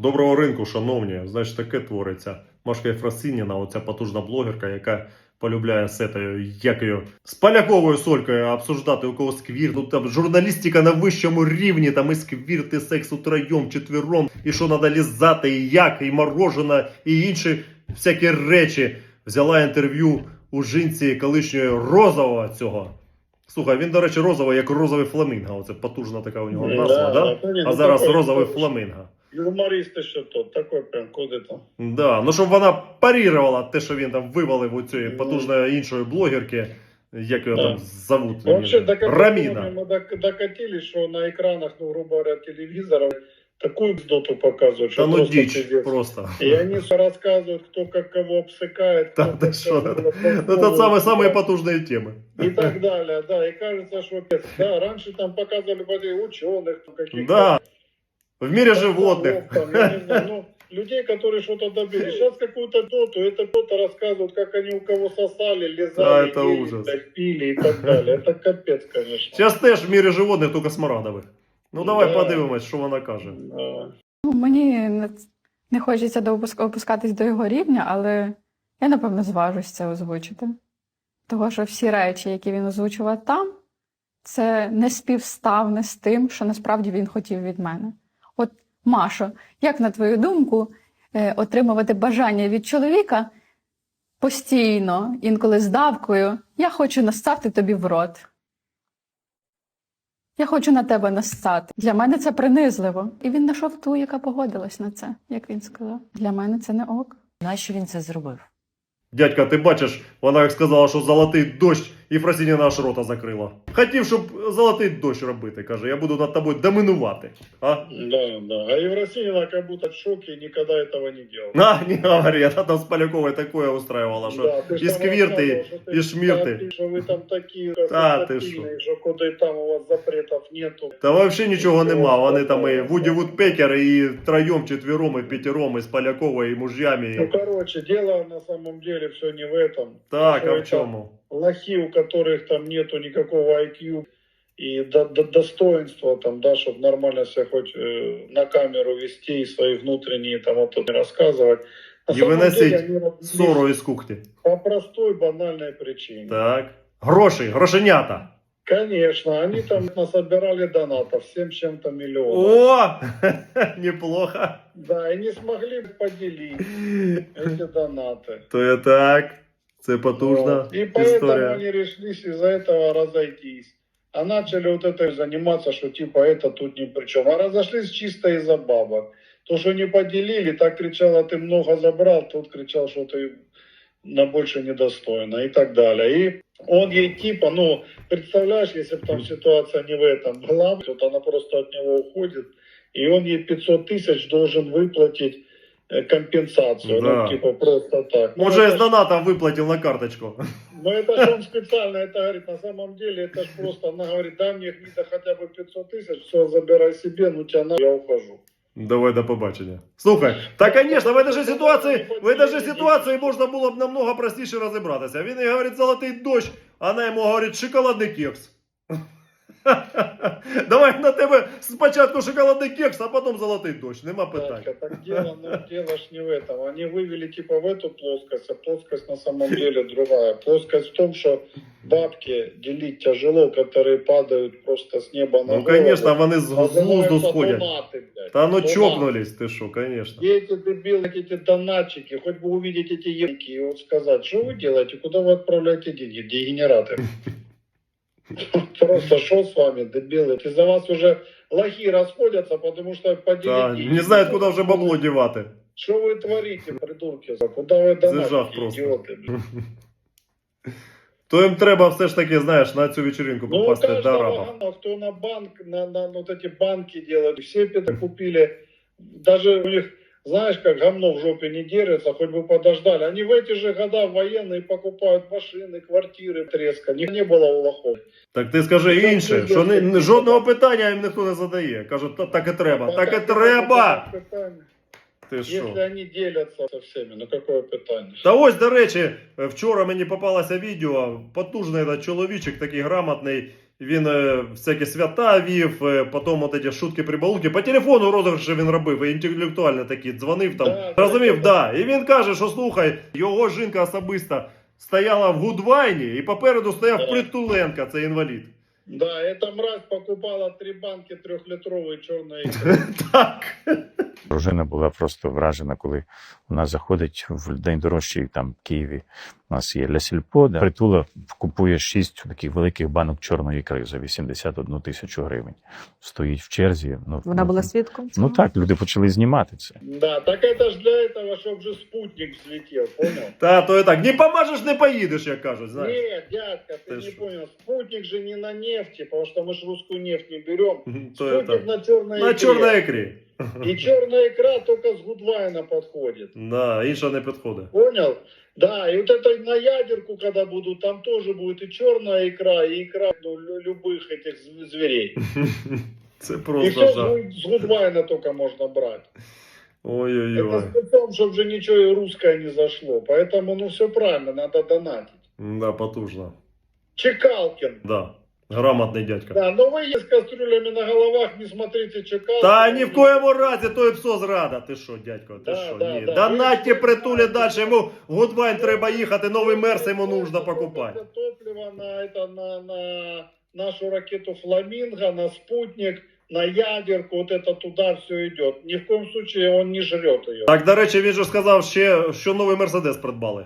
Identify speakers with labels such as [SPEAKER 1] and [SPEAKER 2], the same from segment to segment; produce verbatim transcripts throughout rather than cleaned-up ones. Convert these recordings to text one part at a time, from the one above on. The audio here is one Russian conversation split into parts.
[SPEAKER 1] Доброго ринку, шановні. Значить, таке твориться. Машка Єфросиніна, оця потужна блогерка, яка полюбляє з етою, як її, з поляковою солькою обсуждати, у кого сквір. Ну там журналістика на вищому рівні, там і сквір, і секс утроєм, четвером, і що треба лізати, і як, і морожене, і інші всякі речі. Взяла інтерв'ю у жінці колишньої розового цього. Слухай, він, до речі, розовий, як розовий фламінго. Оце потужна така у нього назва, да?
[SPEAKER 2] Да, да?
[SPEAKER 1] А
[SPEAKER 2] Ну,
[SPEAKER 1] зараз
[SPEAKER 2] такой,
[SPEAKER 1] розовий
[SPEAKER 2] такой,
[SPEAKER 1] фламінго.
[SPEAKER 2] Юморист еще тот, такой прям куди-то.
[SPEAKER 1] Да, ну щоб вона парірувала те, що він там вивалив у цієї
[SPEAKER 2] Ну.
[SPEAKER 1] потужної іншої блогерки, як його
[SPEAKER 2] Да.
[SPEAKER 1] там зовут,
[SPEAKER 2] Вообще, до какого
[SPEAKER 1] Раміна.
[SPEAKER 2] мы док- докатились, что на экранах, ну, грубо говоря, телевизоров такую бздоту показывают,
[SPEAKER 1] Та
[SPEAKER 2] что
[SPEAKER 1] ну
[SPEAKER 2] просто
[SPEAKER 1] дичь,
[SPEAKER 2] пиздец.
[SPEAKER 1] просто.
[SPEAKER 2] И они все рассказывают, кто как кого обсыкает,
[SPEAKER 1] Та
[SPEAKER 2] кто
[SPEAKER 1] ти
[SPEAKER 2] как
[SPEAKER 1] що?
[SPEAKER 2] кого
[SPEAKER 1] Ну це саме, самые
[SPEAKER 2] да,
[SPEAKER 1] потужные темы.
[SPEAKER 2] и так далее, да, и кажется, что да, раньше там показывали вроде ученых, каких-то.
[SPEAKER 1] Да, в мире животных.
[SPEAKER 2] Там, я не знаю, ну, людей, которые что-то добились. Сейчас какую-то доту, это кто-то рассказывают, как они у кого сосали, лизали,
[SPEAKER 1] Да, это
[SPEAKER 2] ели,
[SPEAKER 1] ужас.
[SPEAKER 2] блядь, пили и так далее. Это капец, конечно.
[SPEAKER 1] Зараз теж в мире животних, тільки смарагдових. Ну давай
[SPEAKER 2] Да.
[SPEAKER 1] подивимось, що вона каже.
[SPEAKER 2] Да.
[SPEAKER 3] Ну, мені не, не хочеться до опуск- опускатись до його рівня, але я, напевно, зважусь це озвучити. Того, що всі речі, які він озвучував там, це не співставне з тим, що насправді він хотів від мене. От, Машо, як на твою думку, е, отримувати бажання від чоловіка постійно, інколи з давкою, я хочу нассати тобі в рот. Я хочу на тебе нассати. Для мене це принизливо. І він знайшов ту, яка погодилась на це, як він сказав. Для мене це не ок.
[SPEAKER 4] Нащо він це зробив?
[SPEAKER 1] Дядька, ти бачиш, вона як сказала, що золотий дощ, і Фросініна аж рота закрила. Хотів, щоб золотий дощ робити, каже, я буду над тобою доминувати. А?
[SPEAKER 2] Да, да. А Евросинина как будто в шоке и никогда этого не делала.
[SPEAKER 1] На, не говори, она там с Поляковой такое устраивала, что
[SPEAKER 2] Да, ты ж
[SPEAKER 1] и
[SPEAKER 2] там
[SPEAKER 1] сквирты,
[SPEAKER 2] рассказывал, что ты
[SPEAKER 1] и шмирты.
[SPEAKER 2] там, что вы там такие
[SPEAKER 1] Да, ты
[SPEAKER 2] красотопильные, что куда и там у вас запретов нету.
[SPEAKER 1] Та вообще нічого нема, вони там і Вуді Вудпекер, і троєм, четвером, і п'ятером, і з Поляковою, і мужьями.
[SPEAKER 2] Ну, короче, дело на самом деле все не в этом.
[SPEAKER 1] Так,
[SPEAKER 2] Что
[SPEAKER 1] а в
[SPEAKER 2] это
[SPEAKER 1] чому?
[SPEAKER 2] лохи, у которых там нету никакого ай кью и до, до- достоинства, там, да, чтобы нормально себя хоть э, на камеру вести и свои внутренние там вот тут рассказывать. На
[SPEAKER 1] И
[SPEAKER 2] самом
[SPEAKER 1] выносить
[SPEAKER 2] деле они родились
[SPEAKER 1] Ссору із кухні.
[SPEAKER 2] по простой банальной причине.
[SPEAKER 1] Так. Гроші, грошенята.
[SPEAKER 2] Конечно, они там насобирали донатов семь с чем-то миллионов.
[SPEAKER 1] О, неплохо.
[SPEAKER 2] Да, и не смогли поделить эти донаты.
[SPEAKER 1] То я так, це потужна
[SPEAKER 2] Вот. И поэтому
[SPEAKER 1] історія.
[SPEAKER 2] они решились из-за этого разойтись. А начали вот это заниматься, что типа это тут ни при чем. А разошлись чисто из-за бабок. То, что не поделили, так кричала, ты много забрал, тут кричал, что ты на больше недостойна и так далее. И он ей типа, ну, представляешь, если бы там ситуация не в этом была, вот она просто от него уходит, и он ей пятьсот тысяч должен выплатить э, компенсацию,
[SPEAKER 1] Да.
[SPEAKER 2] ну, типа просто так. Ну,
[SPEAKER 1] Може,
[SPEAKER 2] это
[SPEAKER 1] з
[SPEAKER 2] ж-
[SPEAKER 1] донатом виплатив на карточку.
[SPEAKER 2] ну, это же он специально это говорит. На самом деле, это ж просто, она говорит, дай мне гнида хотя бы пятьсот тысяч, все, забирай себе, ну тебя на, я ухожу.
[SPEAKER 1] Давай до побачення. Слухай, та, конечно, в этой же ситуації, в этой же ситуації можна було б намного простіше розібратися. Він їй говорить золотий дощ, а вона йому говорить шоколадний кекс. Давай на тебе спочатку шоколадний кекс, а потім золотий дощ. Нема питань.
[SPEAKER 2] Татька, так дело, ну, дело ж не в этом. Они вывели типа в эту плоскость, а плоскость на самом деле другая. Плоскость в том, что бабки делить тяжело, которые падают просто с неба на
[SPEAKER 1] Ну,
[SPEAKER 2] голову.
[SPEAKER 1] конечно, вони з з глузду
[SPEAKER 2] Называются
[SPEAKER 1] сходять.
[SPEAKER 2] донаты, блядь.
[SPEAKER 1] Та ну
[SPEAKER 2] Донаты.
[SPEAKER 1] чокнулись, ти що, конечно.
[SPEAKER 2] Где эти дебилы, эти донатчики, хоть бы увидеть эти ебки и вот сказать, что вы делаете, куда вы отправляете деньги, дегенераты. Просто что с вами, дебилы? Из-за вас уже лохи расходятся, потому что поделить
[SPEAKER 1] Та,
[SPEAKER 2] деньги.
[SPEAKER 1] не знають, куди вже бабло дівати.
[SPEAKER 2] Что вы творите, придурки? Куда вы
[SPEAKER 1] Зажав
[SPEAKER 2] донатите,
[SPEAKER 1] просто.
[SPEAKER 2] идиоты? блин?
[SPEAKER 1] То їм треба все ж таки, знаєш, на цю вечеринку
[SPEAKER 2] Ну, у
[SPEAKER 1] попасти до
[SPEAKER 2] каждого
[SPEAKER 1] араба.
[SPEAKER 2] гана, кто на банк, на, на вот эти банки делают, все это купили. Даже у них, знаешь, как говно в жопе не держится, хоть бы подождали. Они в эти же года военные покупают машины, квартиры, треска. Не, не было у лохов.
[SPEAKER 1] Так ти скажи інше, що ні- жодного питання їм ніхто не задає. Кажуть, «Та- так і треба, так і
[SPEAKER 2] Какое
[SPEAKER 1] треба.
[SPEAKER 2] питание?
[SPEAKER 1] Ти
[SPEAKER 2] Если
[SPEAKER 1] що?
[SPEAKER 2] они делятся со всеми, ну какое питание?
[SPEAKER 1] Та ось, до речі, вчора мені попалося відео, потужний этот чоловічок, такий грамотний, Він е, всякі свята вів, е, потім от ці шутки-прибалуки. По телефону розіграші він робив, і інтелектуально такі дзвонив там.
[SPEAKER 2] Да,
[SPEAKER 1] Розумів,
[SPEAKER 2] да,
[SPEAKER 1] да. І він каже, що слухай, його жінка особисто стояла в Гудвайні, і попереду стояв
[SPEAKER 2] Да.
[SPEAKER 1] Притуленко, це інвалід.
[SPEAKER 2] Да, эта мразь покупала три банки трехлитровой черной икры.
[SPEAKER 1] Так.
[SPEAKER 4] Дружина була просто вражена, коли вона заходить в день дорожчий там в Києві. У нас є Ля Сільпо, де Притула купує шість таких великих банок чорної ікри за вісімдесят одну тисячу гривень. Стоїть в черзі. Ну,
[SPEAKER 5] Вона
[SPEAKER 4] ну,
[SPEAKER 5] була свідком
[SPEAKER 4] Ну
[SPEAKER 5] цього?
[SPEAKER 4] так, люди почали знімати це.
[SPEAKER 2] Да, так это ж для этого, чтобы же спутник взлетел, понял?
[SPEAKER 1] Та, то і так. Не поможеш, не поїдеш, як кажуть, знаєш.
[SPEAKER 2] Нет, дядька, ты,
[SPEAKER 1] Ты
[SPEAKER 2] не
[SPEAKER 1] шо?
[SPEAKER 2] понял. Спутник же не на нефти, потому что мы же русскую нефть не берем.
[SPEAKER 1] То
[SPEAKER 2] Спутник
[SPEAKER 1] это.
[SPEAKER 2] на черной
[SPEAKER 1] На
[SPEAKER 2] икре.
[SPEAKER 1] чорній ікрі.
[SPEAKER 2] И черная икра только с Гудвайна подходит.
[SPEAKER 1] Да, інша не підходить.
[SPEAKER 2] Понял? Да, и вот это на ядерку, когда будут, там тоже будет и черная икра, и икра ну, лю- любых этих зв- зверей.
[SPEAKER 1] Це
[SPEAKER 2] И
[SPEAKER 1] просто
[SPEAKER 2] все с
[SPEAKER 1] жах.
[SPEAKER 2] Гуд- с Гудвайна только можно брать.
[SPEAKER 1] Ой-ой-ой.
[SPEAKER 2] Это с тем, чтобы же ничего русское не зашло. Поэтому, ну, все правильно, надо донатить.
[SPEAKER 1] Да, потужно.
[SPEAKER 2] Чекалкин.
[SPEAKER 1] Да. Грамотний дядька.
[SPEAKER 2] Да, но вы с кастрюлями на головах не смотрите Чекалкина.
[SPEAKER 1] Та ні в коєму разі, то і псо зрада. Ти що, дядько, ти
[SPEAKER 2] Да,
[SPEAKER 1] що?
[SPEAKER 2] да,
[SPEAKER 1] Ні.
[SPEAKER 2] да.
[SPEAKER 1] Донатьте
[SPEAKER 2] Ви-
[SPEAKER 1] Притулі далі, йому в Гудвайн треба їхати, новий мерс йому нужно покупати.
[SPEAKER 2] Это топливо на, это, на, на нашу ракету «Фламинго», на спутник, на ядерку, вот это туда все идет. Ни в коем случае он не жрет ее.
[SPEAKER 1] Так, до речі, він же сказав ще, що новий Мерседес придбали.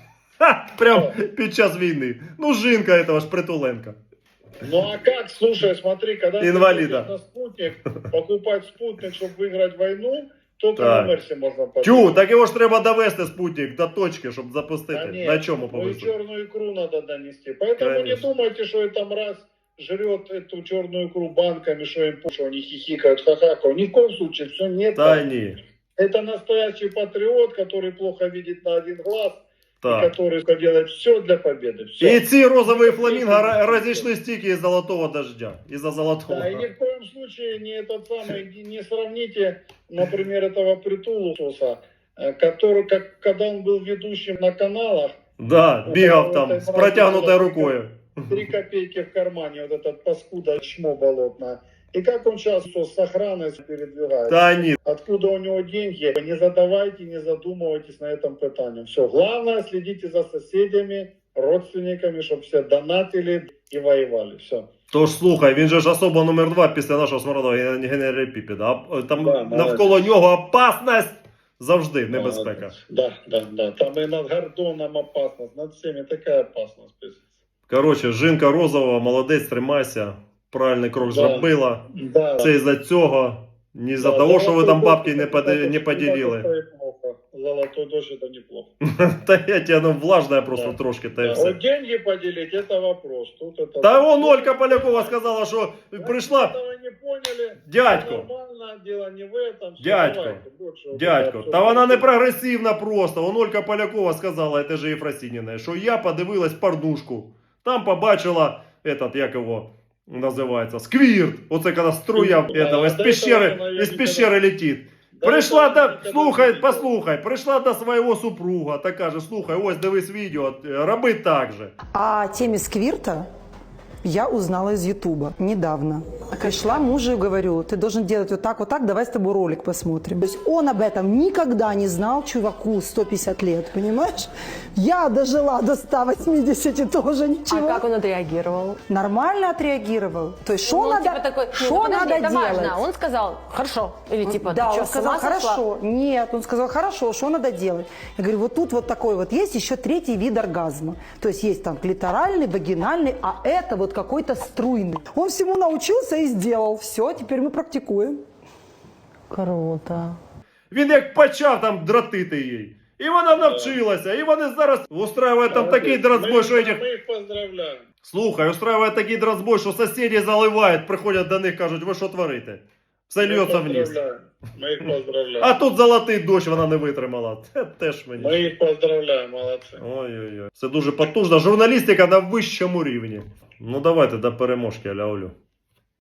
[SPEAKER 1] Ха, прям під час війни. Ну, жінка этого ж Притуленка.
[SPEAKER 2] Ну а как, слушай, смотри, когда
[SPEAKER 1] Инвалида.
[SPEAKER 2] ты едешь на спутник, покупать спутник, чтобы выиграть войну, только
[SPEAKER 1] Так.
[SPEAKER 2] на Мерсе можно попасть.
[SPEAKER 1] Тю, так його ж треба довести спутник до точки, щоб запустити.
[SPEAKER 2] Да нет,
[SPEAKER 1] На чому
[SPEAKER 2] ну и
[SPEAKER 1] повезти?
[SPEAKER 2] черную икру надо донести. Поэтому не
[SPEAKER 1] Конечно.
[SPEAKER 2] думайте, что эта мразь жрет эту черную икру банками, что им что они хихикают, хахакают. Ни в коем случае, все нет.
[SPEAKER 1] Та
[SPEAKER 2] так.
[SPEAKER 1] ні.
[SPEAKER 2] Это настоящий патриот, который плохо видит на один глаз, и
[SPEAKER 1] Так.
[SPEAKER 2] который делает все для победы. Все.
[SPEAKER 1] І ці розові фламінго ра- розійшлись тільки із золотого дождя. Із-за золотого.
[SPEAKER 2] Да, и ни в коем случае не этот самый, не сравните, например, этого Притулуса, э, который, как, когда он был ведущим на каналах,
[SPEAKER 1] Да, бігав там з протягнутою рукою.
[SPEAKER 2] три копейки в кармане, вот этот паскуда чмо болотное. И как он сейчас с охраной передвигается?
[SPEAKER 1] Та ні.
[SPEAKER 2] Откуда у него деньги? Не задавайте, не задумывайтесь на этом питании. Все. Главное, следите за соседями, родственниками, чтобы все донатили и воевали. Все.
[SPEAKER 1] Тож слухай, він же ж особа номер два після нашого смарного генераліпіпіда. А там
[SPEAKER 2] Да,
[SPEAKER 1] навколо нього опасність завжди небезпека.
[SPEAKER 2] Да, да, да. Там и над Гордоном опасность, над всеми такая опасность.
[SPEAKER 1] Коротше, жінка розова, молодець, тримайся. Правильний крок
[SPEAKER 2] Да.
[SPEAKER 1] зробила.
[SPEAKER 2] Да.
[SPEAKER 1] Це із-за цього. Не із-за
[SPEAKER 2] Да,
[SPEAKER 1] того, що ви
[SPEAKER 2] золотой
[SPEAKER 1] там
[SPEAKER 2] дождь
[SPEAKER 1] бабки не,
[SPEAKER 2] это
[SPEAKER 1] поди-
[SPEAKER 2] неплохо.
[SPEAKER 1] не поділили.
[SPEAKER 2] Это и плохо. Золотой дождь это неплохо.
[SPEAKER 1] Та я тебе, ну, влажна просто
[SPEAKER 2] Да.
[SPEAKER 1] трошки, та й
[SPEAKER 2] Да,
[SPEAKER 1] все.
[SPEAKER 2] вот деньги поделить, это вопрос. Тут это...
[SPEAKER 1] Та вон Олька Полякова сказала, що прийшла.
[SPEAKER 2] Этого не поняли.
[SPEAKER 1] Дядько,
[SPEAKER 2] Нормально, дело не в этом. Всё,
[SPEAKER 1] Дядько,
[SPEAKER 2] давайте, больше вот
[SPEAKER 1] дядько,
[SPEAKER 2] это
[SPEAKER 1] та
[SPEAKER 2] всё.
[SPEAKER 1] вона не прогресивна просто. Вон Олька Полякова сказала, це ж Єфросініна, що я подивилась порнушку. Там побачила, этот, як його називається, сквірт. Оце коли струя
[SPEAKER 2] Да,
[SPEAKER 1] этого, із
[SPEAKER 2] до
[SPEAKER 1] пещери,
[SPEAKER 2] этого вона
[SPEAKER 1] із
[SPEAKER 2] її
[SPEAKER 1] пещери летить.
[SPEAKER 2] Да,
[SPEAKER 1] Прийшла
[SPEAKER 2] это
[SPEAKER 1] до,
[SPEAKER 2] никогда
[SPEAKER 1] слухай,
[SPEAKER 2] не видела.
[SPEAKER 1] послухай, прийшла до свого супруга та каже, слухай, ось дивись відео, роби так же.
[SPEAKER 6] О теме сквирта я узнала из Ютуба недавно. Пришла мужу и говорю, ты должен делать вот так, вот так, давай с тобой ролик посмотрим. То есть он об этом никогда не знал, чуваку сто пятьдесят лет, понимаешь? Я дожила до ста восьмидесяти тоже
[SPEAKER 5] А
[SPEAKER 6] ничего.
[SPEAKER 5] как он отреагировал?
[SPEAKER 6] Нормально отреагировал. То есть что
[SPEAKER 5] Ну,
[SPEAKER 6] надо,
[SPEAKER 5] типа такой, «Не,
[SPEAKER 6] что
[SPEAKER 5] ну, подожди,
[SPEAKER 6] надо
[SPEAKER 5] это
[SPEAKER 6] делать?
[SPEAKER 5] важно. Он сказал, хорошо. Или типа,
[SPEAKER 6] да,
[SPEAKER 5] ты что,
[SPEAKER 6] он
[SPEAKER 5] с
[SPEAKER 6] сказал,
[SPEAKER 5] ума сошла?
[SPEAKER 6] хорошо. Нет, он сказал, хорошо, что надо делать? Я говорю, вот тут вот такой вот есть еще третий вид оргазма. То есть есть там клиторальный, вагинальный, а это вот какой-то струйный. Он всему научился и сделал. Все, теперь мы практикуем.
[SPEAKER 5] Круто.
[SPEAKER 1] Він як почав там дратити їй. І вона навчилася, і вони зараз устраюють там такий дратбой, що этих...
[SPEAKER 2] Мы их поздравляем.
[SPEAKER 1] Слухай, устраюють такий дратбой, що сусіди заливають, приходять до них, кажуть, ви що творите? Все
[SPEAKER 2] Мы
[SPEAKER 1] льється
[SPEAKER 2] их
[SPEAKER 1] вниз.
[SPEAKER 2] поздравляем. Мы их поздравляем.
[SPEAKER 1] А тут золотий дощ вона не витримала. Це теж мені.
[SPEAKER 2] Мы их поздравляем, молодцы.
[SPEAKER 1] Ой-ой-ой. Це дуже потужна журналістика на вищому рівні. Ну давайте до переможки, аля Олю.